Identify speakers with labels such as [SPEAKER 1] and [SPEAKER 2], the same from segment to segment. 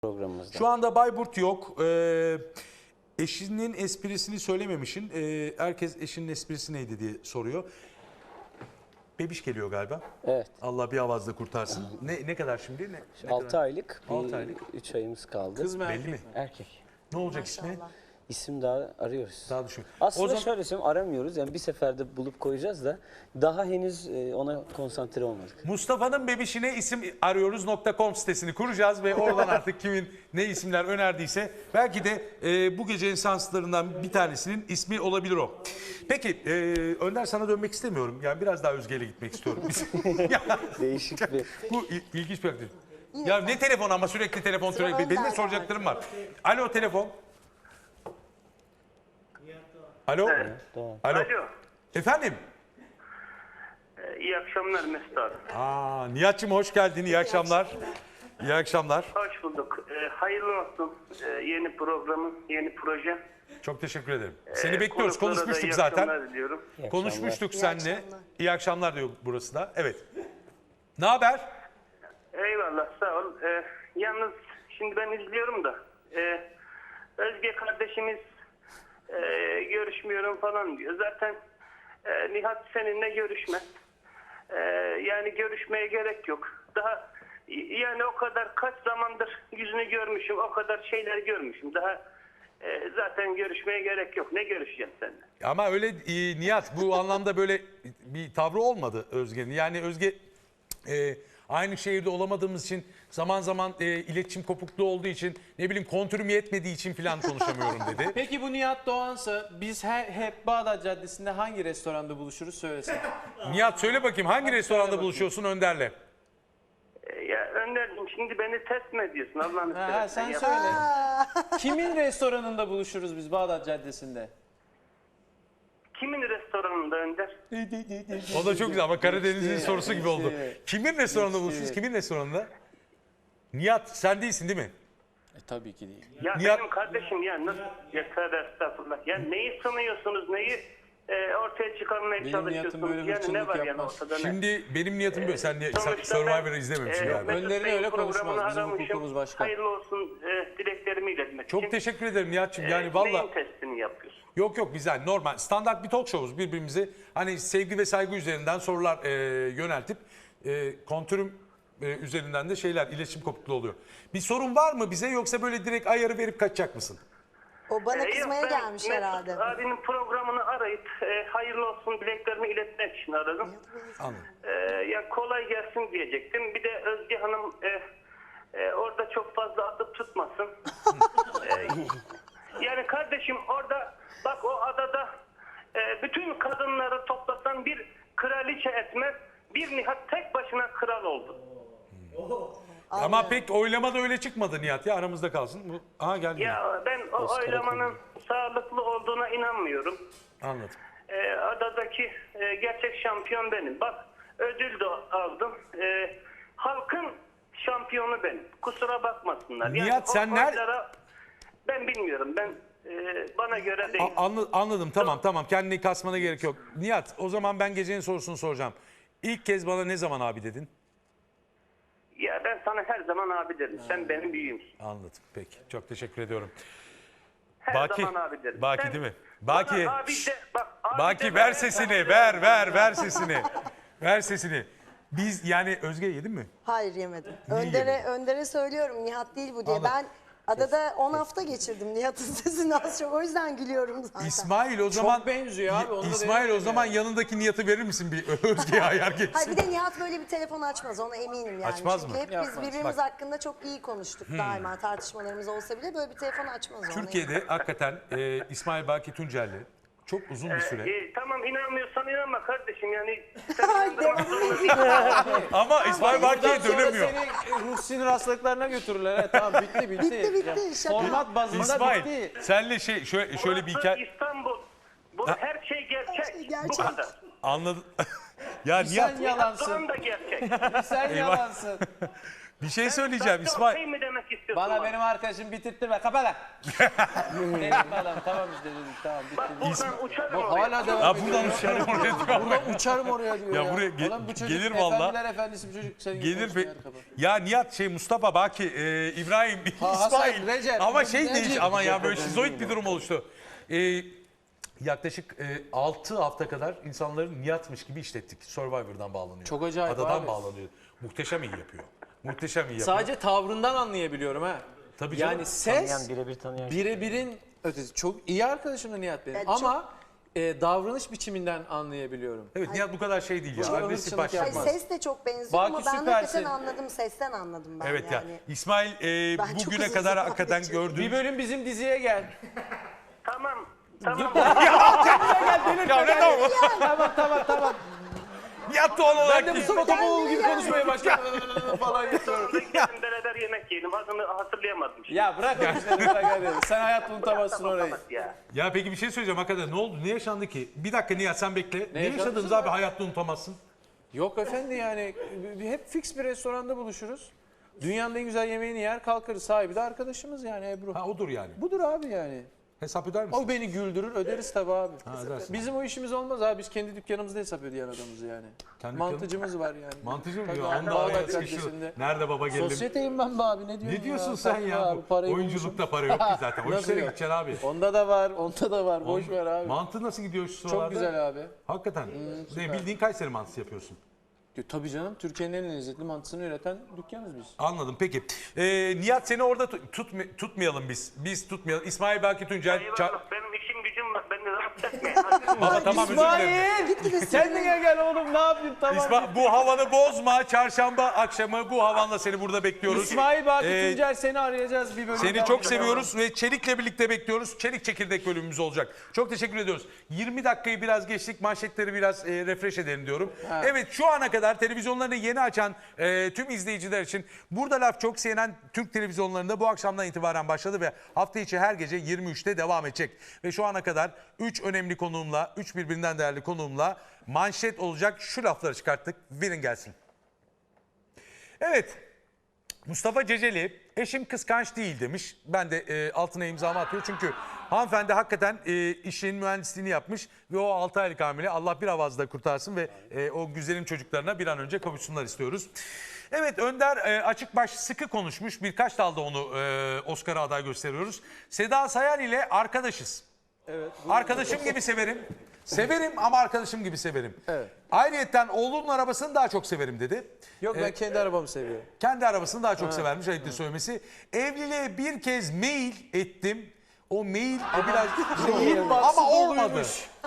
[SPEAKER 1] programımızda.
[SPEAKER 2] Şu anda Bayburt yok. Eşinin esprisini söylememişsin. Herkes eşinin esprisi neydi diye soruyor. Bebiş geliyor galiba.
[SPEAKER 1] Evet.
[SPEAKER 2] Allah bir avazla kurtarsın. Ne kadar şimdi? Ne
[SPEAKER 1] 6
[SPEAKER 2] kadar?
[SPEAKER 1] aylık.
[SPEAKER 2] 6 aylık.
[SPEAKER 1] 3 ayımız kaldı.
[SPEAKER 3] Kız mı
[SPEAKER 2] Belli
[SPEAKER 3] erkek
[SPEAKER 2] mi?
[SPEAKER 3] mi?
[SPEAKER 1] Erkek.
[SPEAKER 2] Ne olacak ismi?
[SPEAKER 1] İsim daha arıyoruz.
[SPEAKER 2] Daha düşün.
[SPEAKER 1] Aslında
[SPEAKER 2] O zaman
[SPEAKER 1] şöyle söyleyeyim, aramıyoruz. Yani bir seferde bulup koyacağız da daha henüz ona konsantre olmadık.
[SPEAKER 2] Mustafa'nın bebişine isim arıyoruz.com sitesini kuracağız ve oradan artık kimin ne isimler önerdiyse belki de bu gecenin şanslarından bir tanesinin ismi olabilir o. Peki Önder, sana dönmek istemiyorum. Yani biraz daha Özge'yle gitmek istiyorum.
[SPEAKER 1] Değişik bir...
[SPEAKER 2] Bu ilginç bir aktivite. Ya ne telefon ama sürekli telefon sürekli. Benim de soracaklarım var. Alo telefon. Alo.
[SPEAKER 1] Doğru.
[SPEAKER 2] Alo.
[SPEAKER 4] Alo.
[SPEAKER 2] Efendim.
[SPEAKER 4] İyi akşamlar Mesut abi.
[SPEAKER 2] Nihat'cığım hoş geldin. İyi akşamlar. İyi akşamlar.
[SPEAKER 4] Hoş bulduk. Hayırlı olsun yeni programın, yeni proje.
[SPEAKER 2] Çok teşekkür ederim. Seni bekliyoruz.
[SPEAKER 4] Konuklara da
[SPEAKER 2] Konuşmuştuk
[SPEAKER 4] iyi
[SPEAKER 2] zaten.
[SPEAKER 4] akşamlar diliyorum.
[SPEAKER 1] İyi
[SPEAKER 2] Konuşmuştuk
[SPEAKER 5] İyi
[SPEAKER 2] seninle.
[SPEAKER 5] akşamlar.
[SPEAKER 2] İyi akşamlar diyor burası da. Evet. Ne haber?
[SPEAKER 4] Eyvallah, sağ ol. Yalnız şimdi ben izliyorum da Özge kardeşimiz görüşmüyorum falan diyor. Zaten Nihat seninle görüşmez. Yani görüşmeye gerek yok. Daha yani o kadar kaç zamandır yüzünü görmüşüm, o kadar şeyler görmüşüm. Daha zaten görüşmeye gerek yok. Ne görüşeceğim seninle?
[SPEAKER 2] Ama öyle Nihat, bu anlamda böyle bir tavrı olmadı Özge'nin. Yani Özge aynı şehirde olamadığımız için, zaman zaman iletişim kopukluğu olduğu için, ne bileyim kontürüm yetmediği için falan konuşamıyorum dedi.
[SPEAKER 3] Peki bu Nihat Doğan'sa biz hep Bağdat Caddesi'nde hangi restoranda buluşuruz söylesin.
[SPEAKER 2] Nihat söyle bakayım, hangi restoranda buluşuyorsun Önder'le?
[SPEAKER 4] Ya Önder'cim, şimdi beni test mi ediyorsun Allah'ını
[SPEAKER 3] Ha,
[SPEAKER 4] seversen
[SPEAKER 3] sen
[SPEAKER 4] ya.
[SPEAKER 3] söyle. Kimin restoranında buluşuruz biz Bağdat Caddesi'nde?
[SPEAKER 4] Kimin restoranında Önder?
[SPEAKER 2] O da çok güzel ama Karadeniz'in sorusu gibi oldu. Kimin restoranında buluşuyoruz? Kimin restoranında? Nihat sen değilsin değil mi?
[SPEAKER 3] Tabii ki değil.
[SPEAKER 4] Ya
[SPEAKER 2] Nihat-
[SPEAKER 4] benim kardeşim ya nasıl? Ya tövbe estağfurullah. Ya neyi sanıyorsunuz, neyi ortaya çıkarmaya
[SPEAKER 3] Benim
[SPEAKER 4] çalışıyorsunuz?
[SPEAKER 3] niyetim böyle
[SPEAKER 4] Yani ne
[SPEAKER 3] hırçınlık
[SPEAKER 4] var yani
[SPEAKER 3] yapmaz.
[SPEAKER 4] ortada ne?
[SPEAKER 2] Şimdi benim niyetim böyle. Sen
[SPEAKER 4] Sonuçta
[SPEAKER 2] Survivor'ı
[SPEAKER 4] ben,
[SPEAKER 2] izlememişsin galiba.
[SPEAKER 4] Mesut
[SPEAKER 3] Önder'in
[SPEAKER 4] Bey'in
[SPEAKER 3] öyle konuşmaz.
[SPEAKER 4] programını
[SPEAKER 3] Bizim
[SPEAKER 4] aramışım.
[SPEAKER 3] hukukumuz başka.
[SPEAKER 4] Hayırlı olsun dileklerimi iletmek için.
[SPEAKER 2] Çok teşekkür ederim Nihat'cığım. Yani
[SPEAKER 4] Neyin
[SPEAKER 2] valla
[SPEAKER 4] testini yapıyorsun?
[SPEAKER 2] yok güzel, normal standart bir talk show'uz, birbirimize hani sevgi ve saygı üzerinden sorular yöneltip kontürüm üzerinden de iletişim kopukluğu oluyor. Bir sorun var mı bize, yoksa böyle direkt ayarı verip kaçacak mısın?
[SPEAKER 5] O bana
[SPEAKER 4] Yok,
[SPEAKER 5] kızmaya
[SPEAKER 4] ben
[SPEAKER 5] gelmiş
[SPEAKER 4] Mesut
[SPEAKER 5] herhalde.
[SPEAKER 4] abinin programını arayıp hayırlı olsun dileklerimi iletmek için aradım.
[SPEAKER 2] Anladım.
[SPEAKER 4] Ya kolay gelsin diyecektim. Bir de Özge Hanım orada çok fazla atıp tutmasın. Yani kardeşim orada bak, o adada bütün kadınları toplasan bir kraliçe etmez. Bir Nihat tek başına kral oldu.
[SPEAKER 2] Ama pek oylamada öyle çıkmadı Nihat ya, aramızda kalsın. Aha geldi.
[SPEAKER 4] Ya ben o oylamanın sağlıklı olduğuna inanmıyorum.
[SPEAKER 2] Anladım.
[SPEAKER 4] Adadaki gerçek şampiyon benim. Bak, ödül de aldım. Halkın şampiyonu benim. Kusura bakmasınlar.
[SPEAKER 2] Nihat,
[SPEAKER 4] o
[SPEAKER 2] sen
[SPEAKER 4] oylara ben bilmiyorum. Ben bana göre değil.
[SPEAKER 2] Anladım, tamam, kendini kasmana gerek yok. Nihat, o zaman ben gecenin sorusunu soracağım. İlk kez bana ne zaman abi dedin?
[SPEAKER 4] Ya ben sana her zaman abi derim. Sen benim büyüğümsün.
[SPEAKER 2] Anladım, peki. Çok teşekkür ediyorum.
[SPEAKER 4] Her
[SPEAKER 2] Baki,
[SPEAKER 4] zaman abi derim.
[SPEAKER 2] Baki
[SPEAKER 4] Sen
[SPEAKER 2] değil mi?
[SPEAKER 4] bana
[SPEAKER 2] Baki,
[SPEAKER 4] abi de, bak, abi
[SPEAKER 2] Baki
[SPEAKER 4] de
[SPEAKER 2] ver
[SPEAKER 4] ben-
[SPEAKER 2] sesini, ver sesini. Ver sesini. Biz yani Özge yedin mi?
[SPEAKER 5] Hayır, yemedim.
[SPEAKER 2] yemedin?
[SPEAKER 5] Önder'e söylüyorum Nihat değil bu diye.
[SPEAKER 2] Anladım.
[SPEAKER 5] Ben adada 10 hafta geçirdim Nihat'ın sesini az çok. O yüzden gülüyorum zaten.
[SPEAKER 2] İsmail o zaman
[SPEAKER 3] benziyor abi, onu da
[SPEAKER 2] İsmail o
[SPEAKER 3] denemedim
[SPEAKER 2] zaman
[SPEAKER 3] yani.
[SPEAKER 2] yanındaki Nihat'ı verir misin bir Özge'ye ayar
[SPEAKER 5] Hayır,
[SPEAKER 2] geçsin?
[SPEAKER 5] bir de Nihat böyle bir telefon açmaz, ona eminim yani.
[SPEAKER 2] Açmaz
[SPEAKER 5] Çünkü
[SPEAKER 2] mı?
[SPEAKER 5] hep biz
[SPEAKER 3] Yapmaz.
[SPEAKER 5] birbirimiz
[SPEAKER 2] Bak.
[SPEAKER 5] hakkında çok iyi konuştuk daima, tartışmalarımız olsa bile böyle bir telefon açmaz ona.
[SPEAKER 2] Türkiye'de hakikaten İsmail Baki Tuncelli çok uzun bir süre.
[SPEAKER 4] Tamam, inanmıyorsan inanma kardeşim. Yani
[SPEAKER 5] Ay, devam.
[SPEAKER 2] Ama İsmail Baki'ye
[SPEAKER 3] Sonra
[SPEAKER 2] dönemiyor.
[SPEAKER 3] seni ruh sinir hastalıklarına götürürler. Evet, tamam, bitti.
[SPEAKER 5] Bitti, şaka.
[SPEAKER 3] Format bazında
[SPEAKER 2] İsmail,
[SPEAKER 3] bitti.
[SPEAKER 2] senle şöyle bir hikaye
[SPEAKER 4] İstanbul. Bu her şey gerçek.
[SPEAKER 5] şey gerçek.
[SPEAKER 4] Bu kadar.
[SPEAKER 2] anladın. Ya Nihat,
[SPEAKER 3] Sen yalansın.
[SPEAKER 4] Doğan da gerçek.
[SPEAKER 3] Sen yalansın.
[SPEAKER 2] Bir şey söyleyeceğim İsmail.
[SPEAKER 4] Okey mi demek istiyorsun?
[SPEAKER 3] Bana benim arkadaşım bitirttirme. Kapa lan. Neyse adam tamam işte dedik tamam
[SPEAKER 4] Bak
[SPEAKER 3] bitti.
[SPEAKER 4] buradan uçarım
[SPEAKER 3] Bak
[SPEAKER 4] oraya.
[SPEAKER 3] hala devam
[SPEAKER 2] Ya
[SPEAKER 3] ediyor.
[SPEAKER 2] buradan uçarım oraya diyor.
[SPEAKER 3] Buradan uçarım oraya diyor
[SPEAKER 2] Ya
[SPEAKER 3] ya.
[SPEAKER 2] buraya
[SPEAKER 3] Ulan bu çocuk
[SPEAKER 2] gelir valla.
[SPEAKER 3] Efendiler efendisi bir çocuk. Senin gibi
[SPEAKER 2] Gelir
[SPEAKER 3] konuşma
[SPEAKER 2] ve
[SPEAKER 3] yani, kapa.
[SPEAKER 2] ya Nihat Mustafa Baki İbrahim
[SPEAKER 3] Hasan,
[SPEAKER 2] İsmail
[SPEAKER 3] Recep,
[SPEAKER 2] ama
[SPEAKER 3] Recep.
[SPEAKER 2] değiş ama ya böyle şizoid bir durum oluştu. Yaklaşık 6 hafta kadar insanların Nihat'mış gibi işlettik. Survivor'dan bağlanıyor.
[SPEAKER 3] Çok acayip
[SPEAKER 2] Adadan
[SPEAKER 3] abi.
[SPEAKER 2] bağlanıyor. Muhteşem iyi yapıyor. Muhteşem iyi yapıyor.
[SPEAKER 3] Sadece tavrından anlayabiliyorum ha.
[SPEAKER 2] Tabii canım.
[SPEAKER 3] Yani ses
[SPEAKER 1] Tanıyan, birebir tanıyan.
[SPEAKER 3] birebirin ötesi. Çok iyi arkadaşım da Nihat benim.
[SPEAKER 5] Evet,
[SPEAKER 3] Ama davranış biçiminden anlayabiliyorum.
[SPEAKER 2] Evet Nihat bu kadar şey değil ya.
[SPEAKER 3] Çok
[SPEAKER 2] Agresif
[SPEAKER 3] hırçınlık
[SPEAKER 2] başlamaz.
[SPEAKER 3] yapmaz.
[SPEAKER 5] Ses de çok benziyor
[SPEAKER 3] Baki
[SPEAKER 5] ama ben
[SPEAKER 3] süpersin.
[SPEAKER 5] hakikaten anladım. Sesten anladım ben
[SPEAKER 2] Evet
[SPEAKER 5] yani.
[SPEAKER 2] ya. İsmail
[SPEAKER 5] Ben çok
[SPEAKER 2] bugüne
[SPEAKER 5] uzun
[SPEAKER 2] kadar
[SPEAKER 5] zaman
[SPEAKER 2] hakikaten
[SPEAKER 5] geçirdim.
[SPEAKER 2] gördüğüm...
[SPEAKER 3] Bir bölüm bizim diziye gel.
[SPEAKER 4] Tamam. Tamam.
[SPEAKER 3] Tamam.
[SPEAKER 2] Nihat doğal olarak
[SPEAKER 3] Ben de
[SPEAKER 2] değil.
[SPEAKER 3] Mustafa Topaloğlu gibi konuşmaya başladım falan yapıyorum.
[SPEAKER 4] Sonra gidelim beraber yemek yiyelim. Adını hatırlayamadım.
[SPEAKER 3] Ya bırak o işleri bırak hadi. Sen hayatta unutamazsın orayı.
[SPEAKER 4] Ya.
[SPEAKER 2] Ya peki bir şey söyleyeceğim hakikaten ne oldu? Ne yaşandı ki? Bir dakika Nihat sen bekle. Ne
[SPEAKER 3] yaşandı?
[SPEAKER 2] yaşadınız abi hayatta unutamazsın?
[SPEAKER 3] Yok efendi yani hep fix bir restoranda buluşuruz. Dünyanın en güzel yemeğini yer kalkarız. Sahibi de arkadaşımız yani Ebru.
[SPEAKER 2] Ha odur yani.
[SPEAKER 3] Budur abi yani.
[SPEAKER 2] Hesap öder misin?
[SPEAKER 3] O beni güldürür öderiz tabii abi.
[SPEAKER 2] ödersin.
[SPEAKER 3] Bizim o işimiz olmaz abi. Biz kendi dükkanımızda hesap ödeyen adamız yani.
[SPEAKER 2] Kendi
[SPEAKER 3] Mantıcımız var yani.
[SPEAKER 2] Mantıcı mı
[SPEAKER 3] Tabii
[SPEAKER 2] diyor?
[SPEAKER 3] abi,
[SPEAKER 2] Anda
[SPEAKER 3] Bağdat
[SPEAKER 2] araya sıkışıyor.
[SPEAKER 3] Caddesi'nde.
[SPEAKER 2] Nerede baba geldim?
[SPEAKER 3] Sosyeteyim ben be abi ne diyorsun
[SPEAKER 2] Ne diyorsun
[SPEAKER 3] ya?
[SPEAKER 2] sen
[SPEAKER 3] Tabii
[SPEAKER 2] ya?
[SPEAKER 3] abi, parayı
[SPEAKER 2] Oyunculukta para yok ki zaten. O
[SPEAKER 3] Nasıl
[SPEAKER 2] işlere
[SPEAKER 3] yok?
[SPEAKER 2] gideceksin abi.
[SPEAKER 3] Onda da var, onda da var. Boş ver abi.
[SPEAKER 2] Mantı nasıl gidiyor şu sıralarda?
[SPEAKER 3] Çok güzel abi.
[SPEAKER 2] Hakikaten. Ne bildiğin Kayseri mantısı yapıyorsun.
[SPEAKER 3] Tabii canım Türkiye'nin en lezzetli mantısını üreten dükkanız biz.
[SPEAKER 2] Anladım peki. Nihat seni orada tutmayalım biz. Biz tutmayalım. İsmail Baki Tuncel.
[SPEAKER 4] Eyvallah. Benim işim gücüm var. Beni rahatsız etmeyin.
[SPEAKER 2] Baba tamam özür dilerim.
[SPEAKER 3] İsmail! Kendine gel oğlum ne yapayım tamam.
[SPEAKER 2] Bu havanı bozma. Çarşamba akşamı bu havanla seni burada bekliyoruz.
[SPEAKER 3] İsmail Baki
[SPEAKER 2] Ee,
[SPEAKER 3] Tuncer seni arayacağız bir bölüm.
[SPEAKER 2] Seni
[SPEAKER 3] daha.
[SPEAKER 2] çok seviyoruz ve Çelik'le birlikte bekliyoruz. Çelik çekirdek bölümümüz olacak. Çok teşekkür ediyoruz. 20 dakikayı biraz geçtik. Manşetleri biraz refresh edelim diyorum. Evet şu ana kadar televizyonlarını yeni açan tüm izleyiciler için burada laf çok CNN Türk televizyonlarında bu akşamdan itibaren başladı ve hafta içi her gece 23'te devam edecek. Ve şu ana kadar 3 önemli konuğumla, 3 birbirinden değerli konuğumla manşet olacak şu lafları çıkarttık. Verin gelsin. Evet. Mustafa Ceceli eşim kıskanç değil demiş. Ben de altına imzamı atıyorum çünkü hanımefendi hakikaten işin mühendisliğini yapmış ve o 6 aylık hamile Allah bir avazda kurtarsın ve o güzelim çocuklarına bir an önce kavuşsunlar istiyoruz. Evet Önder açık baş sıkı konuşmuş birkaç dalda onu Oscar'a aday gösteriyoruz. Seda Sayan ile arkadaşız.
[SPEAKER 3] Evet.
[SPEAKER 2] Arkadaşım gibi severim. Severim ama arkadaşım gibi severim.
[SPEAKER 3] Evet.
[SPEAKER 2] Ayrıyeten oğlumun arabasını daha çok severim dedi.
[SPEAKER 3] Yok ben kendi arabamı seviyorum.
[SPEAKER 2] Kendi arabasını daha çok severmiş ayıptır söylemesi. Evliliğe bir kez mail ettim. O mail biraz ama olmadı.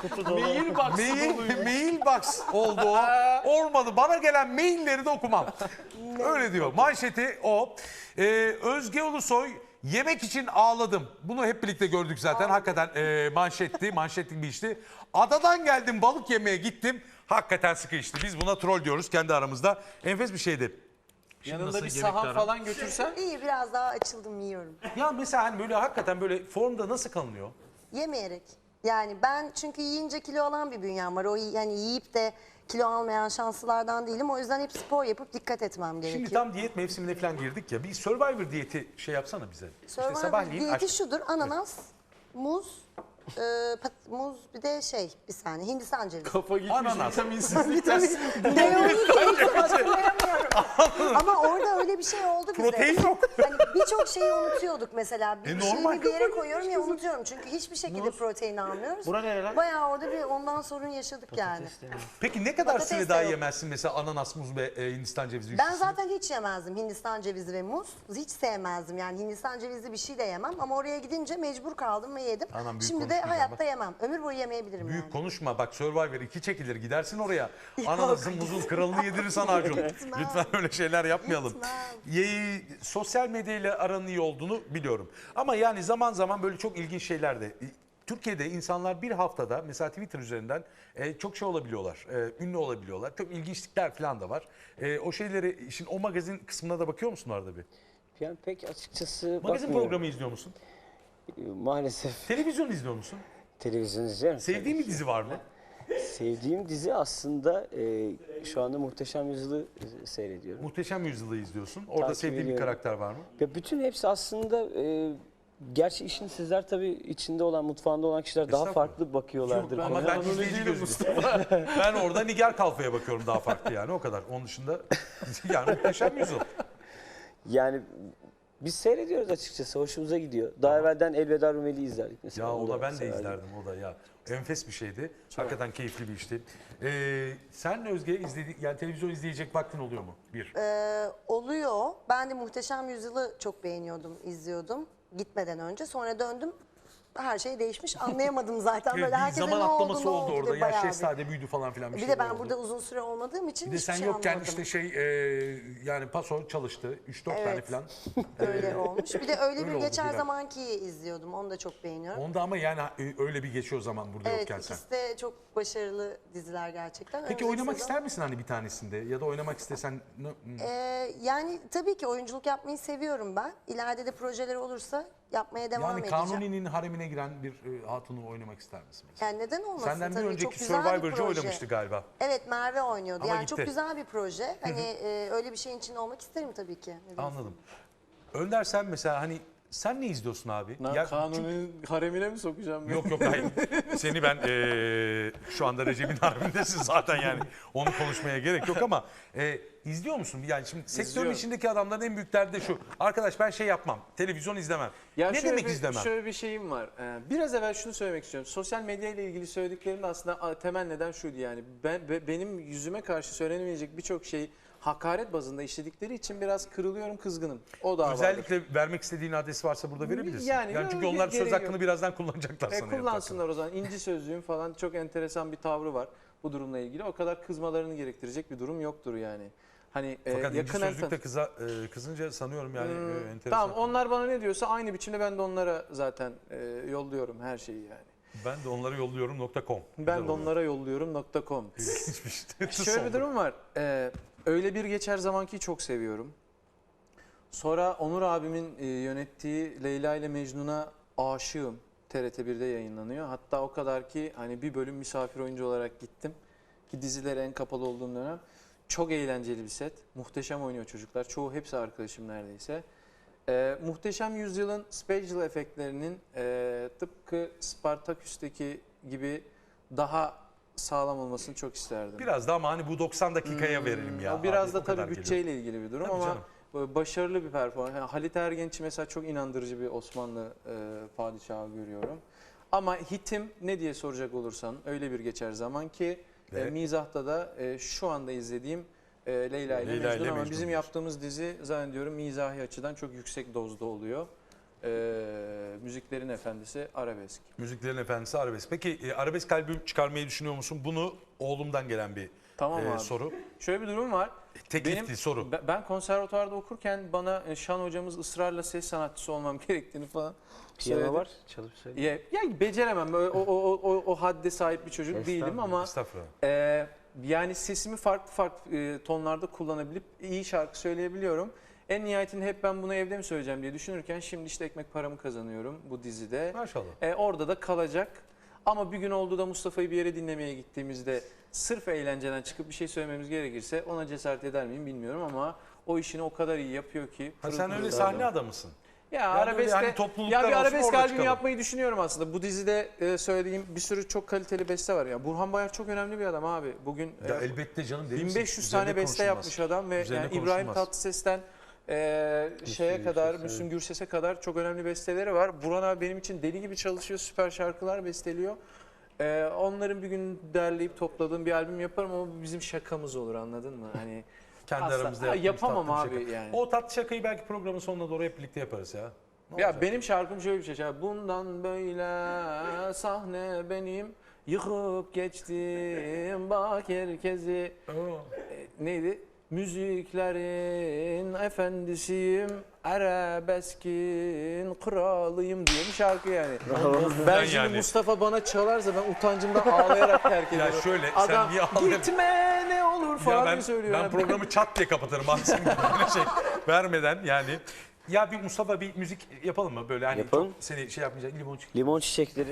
[SPEAKER 2] Mailbox oldu o. Olmadı. Bana gelen mailleri de okumam. Öyle diyor. Manşeti o. Özge Ulusoy yemek için ağladım. Bunu hep birlikte gördük zaten. Hakikaten manşetlik bir işti. Adadan geldim balık yemeye gittim. Hakikaten sıkı işti. Biz buna troll diyoruz kendi aramızda. Enfes bir şeydi. Şimdi
[SPEAKER 3] Yanında
[SPEAKER 2] nasıl
[SPEAKER 3] bir
[SPEAKER 2] yemekler
[SPEAKER 3] sahan
[SPEAKER 2] aran?
[SPEAKER 3] falan götürsen.
[SPEAKER 5] İyi biraz daha açıldım yiyorum.
[SPEAKER 2] Ya mesela hani böyle hakikaten böyle formda nasıl kalınıyor?
[SPEAKER 5] Yemeyerek. Yani ben çünkü yiyince kilo alan bir bünyem var. O yani yiyip de kilo almayan şanslılardan değilim. O yüzden hep spor yapıp dikkat etmem gerekiyor.
[SPEAKER 2] Şimdi tam diyet mevsimine falan girdik ya. Bir Survivor diyeti şey yapsana bize.
[SPEAKER 5] Survivor
[SPEAKER 2] sabahleyin
[SPEAKER 5] diyeti
[SPEAKER 2] aç-
[SPEAKER 5] şudur. Ananas, muz, muz bir de bir saniye Hindistan cevizi.
[SPEAKER 3] Kafa gitmiş
[SPEAKER 2] Ananas.
[SPEAKER 3] vitaminsizlikten.
[SPEAKER 5] Ne olduğunu hatırlayamıyorum. Ama orada öyle bir şey oldu bize.
[SPEAKER 2] Protein yok.
[SPEAKER 5] Hani birçok şeyi unutuyorduk mesela. Bir
[SPEAKER 2] normal.
[SPEAKER 5] şeyi bir yere koyuyorum ya unutuyorum. Çünkü hiçbir şekilde protein almıyoruz.
[SPEAKER 3] Bura nere lan?
[SPEAKER 5] Bayağı orada bir ondan sorun yaşadık yani.
[SPEAKER 2] Peki ne kadar
[SPEAKER 5] Patates
[SPEAKER 2] süre
[SPEAKER 5] de
[SPEAKER 2] daha
[SPEAKER 5] yok.
[SPEAKER 2] yemezsin mesela ananas, muz ve Hindistan cevizi
[SPEAKER 5] Ben
[SPEAKER 2] üçlüsünü?
[SPEAKER 5] zaten hiç yemezdim Hindistan cevizi ve muz. Hiç sevmezdim yani Hindistan cevizi bir şey de yemem. Ama oraya gidince mecbur kaldım ve yedim.
[SPEAKER 2] Anam, büyük
[SPEAKER 5] Şimdi de
[SPEAKER 2] konuşmayacağım
[SPEAKER 5] hayatta
[SPEAKER 2] bak.
[SPEAKER 5] yemem. Ömür boyu yemeyebilirim
[SPEAKER 2] Büyük
[SPEAKER 5] yani.
[SPEAKER 2] konuşma bak Survivor 2 çekilir gidersin oraya. Ananasın muzun kralını yedirir sana Acun. Lütfen öyle şeyler yapmayalım. Sosyal medyayla aranın iyi olduğunu biliyorum. Ama yani zaman zaman böyle çok ilginç şeyler de. Türkiye'de insanlar bir haftada mesela Twitter üzerinden çok şey olabiliyorlar. Ünlü olabiliyorlar. Çok ilginçlikler falan da var. O şeyleri işin o magazin kısmına da bakıyor musun arada bir?
[SPEAKER 1] Yani pek açıkçası
[SPEAKER 2] Magazin
[SPEAKER 1] bakmıyorum.
[SPEAKER 2] programı izliyor musun?
[SPEAKER 1] Maalesef
[SPEAKER 2] Televizyon izliyor musun?
[SPEAKER 1] televizyon izliyorum.
[SPEAKER 2] Sevdiğin bir dizi var mı?
[SPEAKER 1] Sevdiğim dizi aslında şu anda Muhteşem Yüzyıl'ı seyrediyorum.
[SPEAKER 2] Muhteşem Yüzyıl'ı izliyorsun. Orada
[SPEAKER 1] Takip
[SPEAKER 2] sevdiğin bir
[SPEAKER 1] ediyorum.
[SPEAKER 2] karakter var mı?
[SPEAKER 1] Ya bütün hepsi aslında gerçi işin sizler tabii içinde olan, mutfağında olan kişiler daha
[SPEAKER 2] Estağfurullah.
[SPEAKER 1] farklı bakıyorlardır.
[SPEAKER 2] Ama
[SPEAKER 1] konuya.
[SPEAKER 2] ben izleyici gözüyle. Ben orada Nigar Kalfa'ya bakıyorum daha farklı yani o kadar. Onun dışında yani Muhteşem Yüzyıl.
[SPEAKER 1] Yani biz seyrediyoruz açıkçası. Hoşumuza gidiyor. Daha evvelden Elveda Rumeli'yi izlerdik mesela.
[SPEAKER 2] Ya o da ben de
[SPEAKER 1] severdim.
[SPEAKER 2] izlerdim o da ya. Enfes bir şeydi. Hakikaten keyifli bir işti. Sen Özge yani televizyon izleyecek vaktin oluyor mu? Bir.
[SPEAKER 5] Oluyor. Ben de Muhteşem Yüzyıl'ı çok beğeniyordum, izliyordum gitmeden önce. Sonra döndüm. Her şey değişmiş. Anlayamadım zaten. Böyle
[SPEAKER 2] bir
[SPEAKER 5] herkese
[SPEAKER 2] zaman
[SPEAKER 5] ne
[SPEAKER 2] atlaması
[SPEAKER 5] oldu,
[SPEAKER 2] oldu
[SPEAKER 5] ne oldu
[SPEAKER 2] orada.
[SPEAKER 5] diye
[SPEAKER 2] Ya
[SPEAKER 5] bayağı
[SPEAKER 2] Şehzade büyüdü falan filan bir
[SPEAKER 5] bir
[SPEAKER 2] şeyler
[SPEAKER 5] de ben
[SPEAKER 2] oldu.
[SPEAKER 5] burada uzun süre olmadığım için
[SPEAKER 2] Bir de
[SPEAKER 5] hiçbir
[SPEAKER 2] sen
[SPEAKER 5] şey
[SPEAKER 2] yokken
[SPEAKER 5] anlamadım.
[SPEAKER 2] işte yani paso çalıştı. 3-4 tane
[SPEAKER 5] Evet.
[SPEAKER 2] falan.
[SPEAKER 5] Öyle olmuş. Bir de öyle
[SPEAKER 2] Öyle
[SPEAKER 5] bir
[SPEAKER 2] oldu
[SPEAKER 5] geçer
[SPEAKER 2] biraz.
[SPEAKER 5] zamanki izliyordum. Onu da çok beğeniyorum.
[SPEAKER 2] Onda ama yani öyle bir geçiyor zaman burada
[SPEAKER 5] Evet,
[SPEAKER 2] yokken sen.
[SPEAKER 5] ikisi de çok başarılı diziler gerçekten.
[SPEAKER 2] Peki
[SPEAKER 5] Önümüzdeki
[SPEAKER 2] oynamak
[SPEAKER 5] sezon-
[SPEAKER 2] ister misin hani bir tanesinde? Ya da oynamak istesen...
[SPEAKER 5] Yani tabii ki oyunculuk yapmayı seviyorum ben. İleride de projeler olursa yapmaya devam
[SPEAKER 2] yani
[SPEAKER 5] edeceğim.
[SPEAKER 2] Kanuni'nin haremine giren bir hatunu oynamak ister misin? Mesela?
[SPEAKER 5] Yani neden olmasın
[SPEAKER 2] Senden bir
[SPEAKER 5] tabii.
[SPEAKER 2] önceki
[SPEAKER 5] çok güzel bir
[SPEAKER 2] Survivor'cı
[SPEAKER 5] proje.
[SPEAKER 2] oynamıştı galiba.
[SPEAKER 5] Evet, Merve oynuyordu.
[SPEAKER 2] Ama
[SPEAKER 5] Yani çok
[SPEAKER 2] gitti.
[SPEAKER 5] güzel bir proje. Hani öyle bir şeyin içinde olmak isterim tabii ki. Neden
[SPEAKER 2] Anladım. Önder sen mesela hani sen ne izliyorsun abi? Ya-
[SPEAKER 3] Kanunun haremine mi sokacağım?
[SPEAKER 2] Yok yok hayır. Seni ben şu anda Recep'in haremindesin zaten yani. Onu konuşmaya gerek yok ama izliyor musun? Yani şimdi sektörün
[SPEAKER 3] İzliyorum.
[SPEAKER 2] içindeki adamların en büyük derdi de şu. Arkadaş ben şey yapmam. Televizyon izlemem.
[SPEAKER 3] Ya
[SPEAKER 2] Ne
[SPEAKER 3] şöyle
[SPEAKER 2] demek
[SPEAKER 3] bir,
[SPEAKER 2] izlemem?
[SPEAKER 3] Şöyle bir şeyim var. Biraz evvel şunu söylemek istiyorum. Sosyal medya ile ilgili söylediklerim de aslında temel neden şuydu yani. Benim yüzüme karşı söylenemeyecek birçok şeyi hakaret bazında işledikleri için biraz kırılıyorum, kızgınım. O da vardır.
[SPEAKER 2] Özellikle vermek istediğin adresi varsa burada verebilirsin.
[SPEAKER 3] Yani
[SPEAKER 2] çünkü
[SPEAKER 3] yok,
[SPEAKER 2] onlar söz
[SPEAKER 3] gereği
[SPEAKER 2] hakkını
[SPEAKER 3] yok.
[SPEAKER 2] birazdan kullanacaklar sana.
[SPEAKER 3] Kullansınlar o zaman. İnci sözlüğüm falan çok enteresan bir tavrı var bu durumla ilgili. O kadar kızmalarını gerektirecek bir durum yoktur yani. Hani
[SPEAKER 2] Fakat
[SPEAKER 3] yakın
[SPEAKER 2] İnci Sözlük'te kızınca sanıyorum yani enteresan.
[SPEAKER 3] Tamam, onlar bana ne diyorsa aynı biçimde ben de onlara zaten yolluyorum her şeyi yani.
[SPEAKER 2] Ben de onları yolluyorum.com.
[SPEAKER 3] Ben de onlara yolluyorum.com.
[SPEAKER 2] İlginçmiş.
[SPEAKER 3] Şöyle bir durum var. Öyle bir geçer zamanki çok seviyorum. Sonra Onur abimin yönettiği Leyla ile Mecnun'a aşığım. TRT1'de yayınlanıyor. Hatta o kadar ki hani bir bölüm misafir oyuncu olarak gittim. Ki dizilere en kapalı olduğum dönem. Çok eğlenceli bir set. Muhteşem oynuyor çocuklar. Çoğu hepsi arkadaşım neredeyse. Muhteşem Yüzyıl'ın special efektlerinin tıpkı Spartaküs'teki gibi daha sağlam olmasını çok isterdim.
[SPEAKER 2] Biraz da ama hani bu 90 dakikaya verelim ya.
[SPEAKER 3] O biraz
[SPEAKER 2] abi,
[SPEAKER 3] da
[SPEAKER 2] o kadar
[SPEAKER 3] tabii
[SPEAKER 2] geliyor.
[SPEAKER 3] bütçeyle ilgili bir durum
[SPEAKER 2] Tabii
[SPEAKER 3] ama
[SPEAKER 2] canım.
[SPEAKER 3] böyle başarılı bir performans. Yani Halit Ergenç'i mesela çok inandırıcı bir Osmanlı padişahı görüyorum. Ama hitim ne diye soracak olursan öyle bir geçer zaman ki
[SPEAKER 2] Ve?
[SPEAKER 3] mizahta da şu anda izlediğim Leyla ile
[SPEAKER 2] Leyla ile
[SPEAKER 3] Mecnun ama
[SPEAKER 2] Mecnun
[SPEAKER 3] bizim
[SPEAKER 2] diyorsun.
[SPEAKER 3] yaptığımız dizi zannediyorum mizahi açıdan çok yüksek dozda oluyor. Müziklerin efendisi arabesk.
[SPEAKER 2] Müziklerin efendisi arabesk. Peki arabesk albüm çıkarmayı düşünüyor musun? Bunu oğlumdan gelen bir
[SPEAKER 3] Tamam abi.
[SPEAKER 2] soru.
[SPEAKER 3] Şöyle bir durum var.
[SPEAKER 2] Teklifti soru.
[SPEAKER 3] Ben konservatuvarda okurken bana Şan hocamız ısrarla ses sanatçısı olmam gerektiğini falan
[SPEAKER 1] Piyano
[SPEAKER 3] söyledi.
[SPEAKER 1] var, çalıp söyle.
[SPEAKER 3] Ya beceremem. O hadde sahip bir çocuk değilim ama
[SPEAKER 2] Estağfurullah.
[SPEAKER 3] yani sesimi farklı tonlarda kullanabilip iyi şarkı söyleyebiliyorum. En nihayetinde hep ben bunu evde mi söyleyeceğim diye düşünürken şimdi işte ekmek paramı kazanıyorum bu dizide.
[SPEAKER 2] Maşallah.
[SPEAKER 3] Orada da kalacak. Ama bir gün oldu da Mustafa'yı bir yere dinlemeye gittiğimizde sırf eğlenceden çıkıp bir şey söylememiz gerekirse ona cesaret eder miyim bilmiyorum ama o işini o kadar iyi yapıyor ki.
[SPEAKER 2] Ha,
[SPEAKER 3] pırıl
[SPEAKER 2] sen
[SPEAKER 3] pırıl
[SPEAKER 2] öyle
[SPEAKER 3] adam.
[SPEAKER 2] sahne adamısın.
[SPEAKER 3] Ya
[SPEAKER 2] böyle
[SPEAKER 3] arabeske,
[SPEAKER 2] hani topluluklar
[SPEAKER 3] ya bir
[SPEAKER 2] olsun,
[SPEAKER 3] arabesk
[SPEAKER 2] orada
[SPEAKER 3] albümü
[SPEAKER 2] çıkalım.
[SPEAKER 3] yapmayı düşünüyorum aslında. Bu dizide söylediğim bir sürü çok kaliteli beste var. Ya Burhan Bayar çok önemli bir adam abi. Bugün
[SPEAKER 2] Ya elbette canım. deli misin?
[SPEAKER 3] 1500
[SPEAKER 2] Üzerine
[SPEAKER 3] tane beste
[SPEAKER 2] konuşulmaz.
[SPEAKER 3] yapmış adam ve
[SPEAKER 2] Üzerine
[SPEAKER 3] yani İbrahim
[SPEAKER 2] konuşulmaz.
[SPEAKER 3] Tatlıses'ten şeye kadar, Müslüm Gürses'e kadar çok önemli besteleri var. Burhan abi benim için deli gibi çalışıyor, süper şarkılar besteliyor. Onların bir gün derleyip topladığım bir albüm yaparım ama bu bizim şakamız olur, anladın mı? Hani
[SPEAKER 2] Kendi
[SPEAKER 3] asla-
[SPEAKER 2] aramızda
[SPEAKER 3] Ha,
[SPEAKER 2] yaptığımız
[SPEAKER 3] yapamam
[SPEAKER 2] tatlı bir
[SPEAKER 3] abi
[SPEAKER 2] şaka.
[SPEAKER 3] yani.
[SPEAKER 2] O tatlı şakayı belki programın sonuna doğru hep birlikte yaparız ya. Ne
[SPEAKER 3] Ya
[SPEAKER 2] olacak?
[SPEAKER 3] benim şarkım şöyle bir şey. Bundan böyle sahne benim yıkıp geçtim bak herkesi. Neydi? Müziklerin efendisiyim, arabeskin kralıyım diye bir şarkı yani. Ben şimdi
[SPEAKER 2] yani.
[SPEAKER 3] Mustafa bana çalarsa ben utancımdan ağlayarak terk
[SPEAKER 2] Ya
[SPEAKER 3] ediyorum.
[SPEAKER 2] şöyle, sen
[SPEAKER 3] Adam
[SPEAKER 2] niye ağlıyorsun?
[SPEAKER 3] gitme ne olur falan
[SPEAKER 2] Ya
[SPEAKER 3] diye
[SPEAKER 2] ben
[SPEAKER 3] söylüyor. Yani.
[SPEAKER 2] programı çat diye kapatırım abi senin böyle şey vermeden yani. Ya bir Mustafa bir müzik yapalım mı böyle hani
[SPEAKER 1] Yapalım.
[SPEAKER 2] çok seni şey yapmayacak limon çiçek.
[SPEAKER 1] Limon çiçekleri.